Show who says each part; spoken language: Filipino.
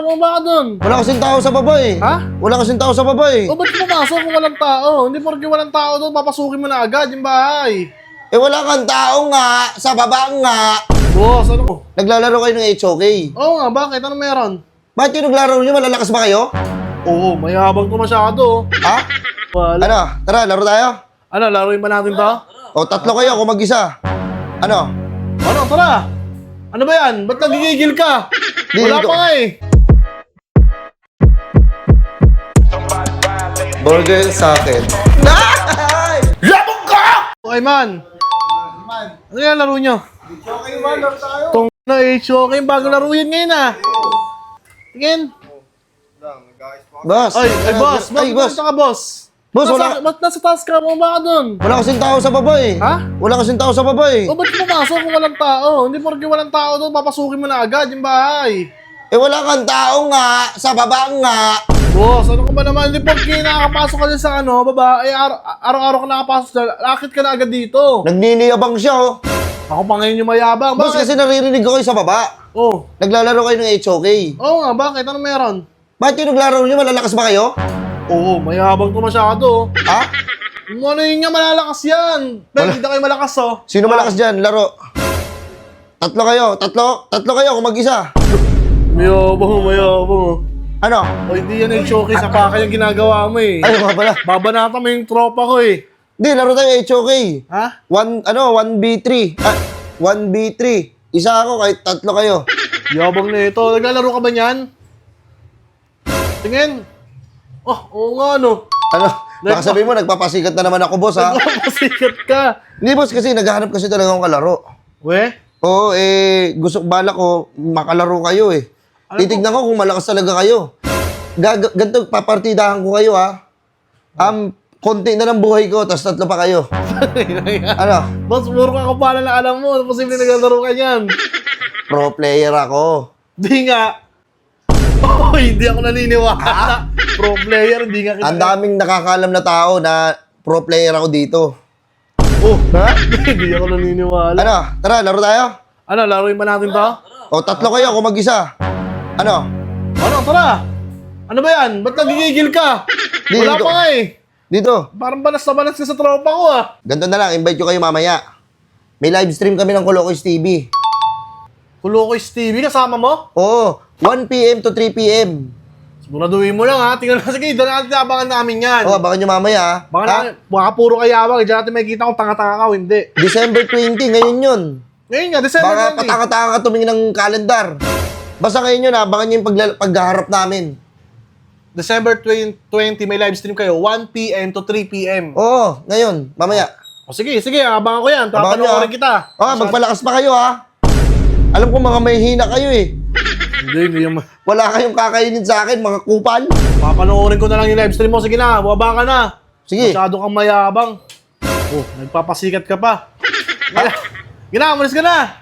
Speaker 1: Ano ba ka dun?
Speaker 2: Wala kasing tao sa baba eh.
Speaker 1: Ha?
Speaker 2: Wala kasing tao sa baba eh.
Speaker 1: O ba't pumasok kung walang tao? Hindi porke walang tao doon, papasukin mo na agad yung bahay.
Speaker 2: Eh wala kang tao nga, sa baba nga.
Speaker 1: Boss, ano ko?
Speaker 2: Naglalaro kayo ng HOK.
Speaker 1: Oo nga, bakit? Ano meron?
Speaker 2: Bakit yung naglaro nyo? Malalakas ba kayo?
Speaker 1: Oo, mayabang to masyado.
Speaker 2: Ha?
Speaker 1: Wala.
Speaker 2: Ano? Tara, laro tayo.
Speaker 1: Ano, laruin ba natin to?
Speaker 2: O, tatlo kayo, ako mag-isa. Ano?
Speaker 1: Ano, tara! Ano ba yan? Ba't nagigigil ka?
Speaker 2: Di,
Speaker 1: Wala
Speaker 2: di ko-
Speaker 1: pa nga eh.
Speaker 2: Burger sa akin.
Speaker 1: Labog ka! Okay man. Ano yan laro nyo?
Speaker 2: Okay man, laro tayo.
Speaker 1: Tong na HOK, yung bago laro yan ngayon ah. Tingin.
Speaker 2: Boss.
Speaker 1: Ay, boss.
Speaker 2: Ay, boss.
Speaker 1: Ka, boss?
Speaker 2: Boss, wala.
Speaker 1: Ba't nasa taas ka? Mo ba ka dun?
Speaker 2: Wala kasing tao sa baba eh.
Speaker 1: Ha?
Speaker 2: Wala kasing tao sa baba eh.
Speaker 1: O ba't pumasok kung walang tao? Hindi porke walang tao doon, papasukin mo na agad yung bahay.
Speaker 2: Eh wala kang tao nga, sa baba nga.
Speaker 1: Boss, ano ka ba naman? Hindi porke nakakapasok ka dyan sa baba, eh araw-araw ka nakapasok dyan, lakit ka na agad dito.
Speaker 2: Nagniniyabang siya oh.
Speaker 1: Ako pa ngayon yung mayabang.
Speaker 2: Boss, kasi naririnig ko kayo sa baba.
Speaker 1: Oh.
Speaker 2: Naglalaro kayo ng HOK.
Speaker 1: Oo nga, bakit? Ano meron?
Speaker 2: Bakit yung naglaro nyo? Malalakas ba kayo?
Speaker 1: Oo, mayabang to masyado.
Speaker 2: Ha?
Speaker 1: Kung ano yun nga, malalakas yan. Pero hindi na kayo malakas oh.
Speaker 2: Sino malakas dyan? Laro. Tatlo kayo. Tatlo kayo kung mag-isa.
Speaker 1: Mayabang.
Speaker 2: Ano?
Speaker 1: O hindi yan yung showcase, sa yung ginagawa mo eh.
Speaker 2: Ay, mga pala.
Speaker 1: Babanata mo yung tropa ko eh.
Speaker 2: Hindi, laro tayo HOK.
Speaker 1: Ha?
Speaker 2: 1v3. 1v3. Isa ako, kahit tatlo kayo.
Speaker 1: Yabang na ito. Naglalaro ka ba niyan? Tingin. Oh, oo nga no.
Speaker 2: Ano? Baka sabihin mo, nagpapasikat na naman ako, boss, ha?
Speaker 1: Masikat ka.
Speaker 2: Hindi, boss, kasi naghahanap kasi talaga akong kalaro.
Speaker 1: We?
Speaker 2: Oo, gusto balak ko, makalaro kayo, eh. Titignan ko kung malakas talaga kayo. Ganito, papartidahan ko kayo, ha? Konti na ng buhay ko, tapos tatlo pa kayo. Ano?
Speaker 1: Boss, puro ka kapala na alam mo. Posible naglalaro ka niyan.
Speaker 2: Pro player ako.
Speaker 1: Di nga. Oh, hindi ako naniniwala. Pro player, hindi nga
Speaker 2: Ang daming nakakalam na tao na pro player ako dito.
Speaker 1: Oh,
Speaker 2: Ha?
Speaker 1: hindi ako naniniwala.
Speaker 2: Ano? Tara, laro tayo?
Speaker 1: Ano, laruin ba natin to?
Speaker 2: O, tatlo kayo, ako mag-isa. Ano?
Speaker 1: Ano, tara. Ano ba yan? Ba't nagigigil ka?
Speaker 2: Di,
Speaker 1: Wala
Speaker 2: dito.
Speaker 1: pa nga eh.
Speaker 2: Dito.
Speaker 1: Parang banas na banas ka sa tropa ko ah.
Speaker 2: Ganito na lang, invite ko kayo mamaya. May live stream kami ng Colocos TV.
Speaker 1: Kulokoy Stevie, kasama mo?
Speaker 2: Oo, 1 p.m. to 3 p.m.
Speaker 1: Siguraduhin mo lang ha. Tingnan na, sige, doon natin abangan namin yan.
Speaker 2: Oo, baka nyo mamaya.
Speaker 1: Baka,
Speaker 2: Ha?
Speaker 1: baka puro kayawag. Diyan natin makikita kung tanga-tanga ka o hindi.
Speaker 2: December 20, ngayon yun.
Speaker 1: Ngayon nga, December
Speaker 2: Baka
Speaker 1: 20.
Speaker 2: patanga-tanga ka tumingin ng calendar. Basta ngayon yun, abangan nyo yung paghaharap namin.
Speaker 1: December 20, may live stream kayo. 1 p.m. to 3 p.m.
Speaker 2: Oo, ngayon, mamaya.
Speaker 1: O sige, abangan ko yan.
Speaker 2: Abangan nyo,
Speaker 1: Papanoorin kita.
Speaker 2: Magpalakas pa kayo, ha? Alam ko mga may hina kayo, eh.
Speaker 1: Hindi yung...
Speaker 2: Wala kayong kakainin sa akin, mga kupal.
Speaker 1: Papanoorin ko na lang yung live stream mo. Sige na, baba ka na.
Speaker 2: Sige.
Speaker 1: Masyado kang mayabang. Oh, nagpapasikat ka pa. Gina, umalis ka na.